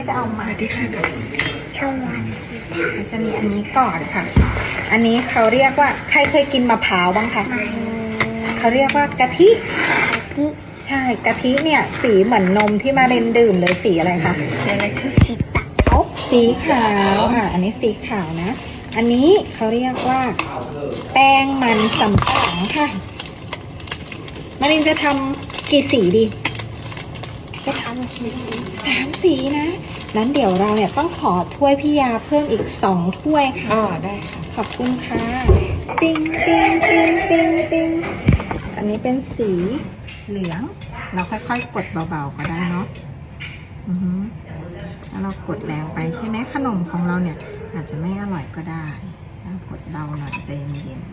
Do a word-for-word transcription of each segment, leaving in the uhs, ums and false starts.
จะเอามาที่ค่ะชวันจะมีอันนี้ก่อนค่ะ อันนี้เขาเรียกว่าใครเคยกินมะพร้าวบ้างคะไม่เขาเรียกว่ากะทิที่ใช่กะทิเนี่ยสีเหมือนนมที่มาเรนดื่มเลยสีอะไรคะอะไรคือสีขาวสีขาวอ่ะอันนี้สีขาวนะ อันนี้เขาเรียกว่า แป้งมันสำปะหลังค่ะมารินจะทำกี่สีดีจะทำสีสามสีนะนั้นเดี๋ยวเราเนี่ยต้องขอถ้วยพี่ยาเพิ่มอีกสองถ้วยค่ะอ๋อได้ค่ะขอบคุณค่ะปิ้งปิ้งปิ้งปิ้งปิ้งอันนี้เป็นสีเหลือง เราค่อยๆกดเบาๆก็ได้เนาะอือฮึแล้วเรากดแรงไปใช่ไหมขนมของเราเนี่ย อาจจะไม่อร่อยก็ได้แล้วกดเบาหน่อยใจเย็น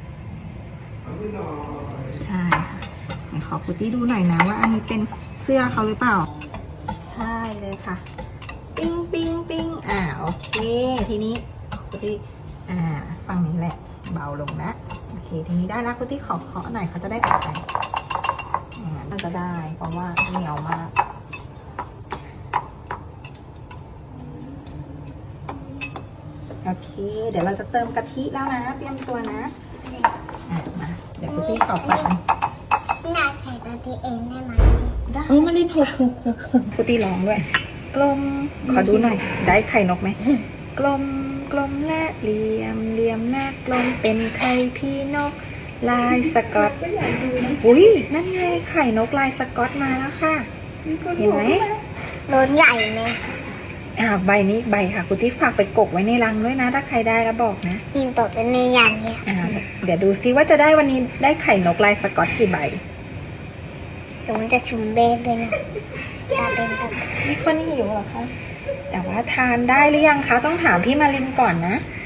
ๆใช่ค่ะไหนขอพุตตี้ดูหน่อยนะว่าอันนี้เป็นเสื้อเขาหรือเปล่า ใช่เลยค่ะ ปิ้งปิ้งปิ้งอ่าโอเคทีนี้พุตตี้อ่าฝั่งนี้แหละเบาลงนะโอเคทีนี้ได้แล้วพุตตี้ขอเคาะหน่อยเขาจะได้ตัดไปอย่างนั้นน่าจะได้เพราะว่าเหนียวมากโอเคเดี๋ยวเราจะเติมกะทิแล้วนะเตรียมตัวนะอ่ะมาเดี๋ยวพุตตี้ขอปัดนะน่าใส่ตัวที่เองได้ไหมได้โอ้มาเล่นหกหกหกหกพุตตี้ร้องด้วยกลมขอดูหน่อย ได้ไข่นกไหมกลมกลมและเหลี่ยมเหลี่ยมหน้ากลมเป็นไข่พี่นก ลายสกอตอุ้ยนั่นไงไข่นกลายสกอตมาแล้วค่ะเห็นไหมโดนใหญ่ไหมอ่าใบนี้ใบค่ะคุณที่ฝากไปกกไว้ในรังด้วยนะ ถ้าใครได้แล้วบอกนะยิงตกเป็นในยันเนี่ยอ่าเดี๋ยวดูซิว่าจะได้วันนี้ได้ไข่นกลายสกอตกี่ใบเดี๋ยวมันจะชุมเบสด้วยนะตาเป็นตามีคนหิวเหรอคะแต่ว่าทานได้หรือยังคะต้องถามพี่มารินก่อนนะท